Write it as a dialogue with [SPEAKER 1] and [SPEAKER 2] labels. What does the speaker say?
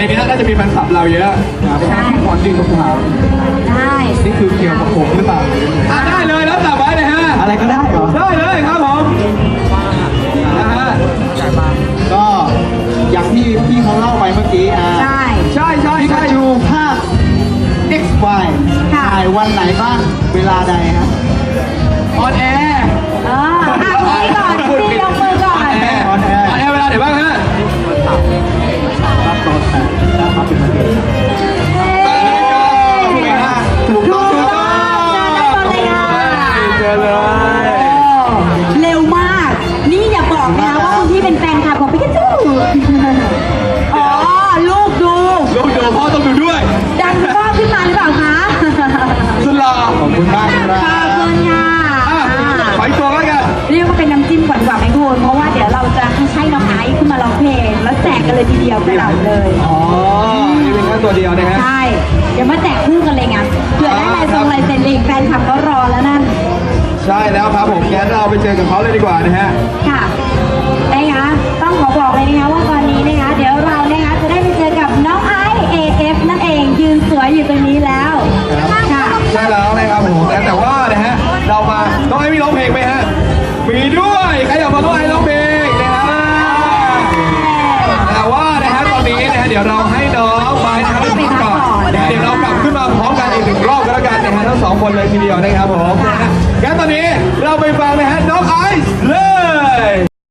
[SPEAKER 1] นี้น่าจะมีแฟนคลับเราเยอะไปหาพี่พรยื่นคำถาม
[SPEAKER 2] ได้
[SPEAKER 1] นี่คือเกี่ยวกับผมหรือเปล่าได้เลยแล้วจับไว้นะฮะอะไรก็ได้เหรอได้เลยครับผมนะฮะก็อย่างที่พี่เขาเล่าไปเมื่อกี้
[SPEAKER 2] ใช่
[SPEAKER 1] พี่กระจูภาค XY ถ่ายวันไหนบ้างเวลาใดครับออนแอร์
[SPEAKER 2] คุยก่อนพี่ยกมือก่อน
[SPEAKER 1] ออนแอร์เวลาไหนบ้างฮะรับตอน8นะครับเป็นประเด็นถูกต้องเจอเลย
[SPEAKER 2] เร็วมาก นี่อย่าบอกนะว่าคุณพี่เป็นแฟนคลับของพี่กระจูอ๋อลูกดู
[SPEAKER 1] พ่อต้องดูด้วย
[SPEAKER 2] ดันพ่อขึ้นมาหรือเปล่าคะ
[SPEAKER 1] สุดหล่อขอบคุณมากครับ
[SPEAKER 2] ขอบคุณค่ะ
[SPEAKER 1] ขออีกตัวแล้วกัน
[SPEAKER 2] เรียกว่าเป็นน้ำจิ้มก่อนกว่าไหมคุณเพราะว่าเดี๋ยวเราจะให้น้องไอซ์ขึ้นมาร้องเพลงแล้วแจกกันเลยทีเดียวกระดาษเลย
[SPEAKER 1] อ๋อนี่เป็นแค่ตัวเดียวนะฮะ
[SPEAKER 2] ใช่เดี๋ยวมาแจกคู่กันเลยไงเผื่อได้ลายเซ็นเองแฟนคลับก็รอแล้วนั่น
[SPEAKER 1] ใช่แล้วครับผมงั้นเราไปเจอกับเขาเลยดีกว่านะฮะ
[SPEAKER 2] ค่ะนะคะต้องขอบอกเลยนะคะว่าตอนนี้นะคะเดี๋ยวเรานะคะจะได้ไปเจอกับน้องไอซ์ AF นั่นเองยืนสวยอยู่ตรงนี้แล้วค่ะ
[SPEAKER 1] ใช่แล้วนะครับผมแต่ว่านะฮะเรามาน้องไอซ์มีร้องเพลงไหมฮะมีด้วยใครอยากฟังน้องไอซ์ร้องเพลงนะฮะแต่ว่านะฮะตอนนี้นะฮะเดี๋ยวเราให้น้องไปนะครับไปพักก่อนเดี๋ยวเรากลับขึ้นมาพร้อมกันอีกหนึ่งรอบก็แล้วกันนะฮะทั้งสองคนเลยทีเดียวนะครับผมงั้นตอนนี้เราไปฟังนะฮะน้องไอซ์เลย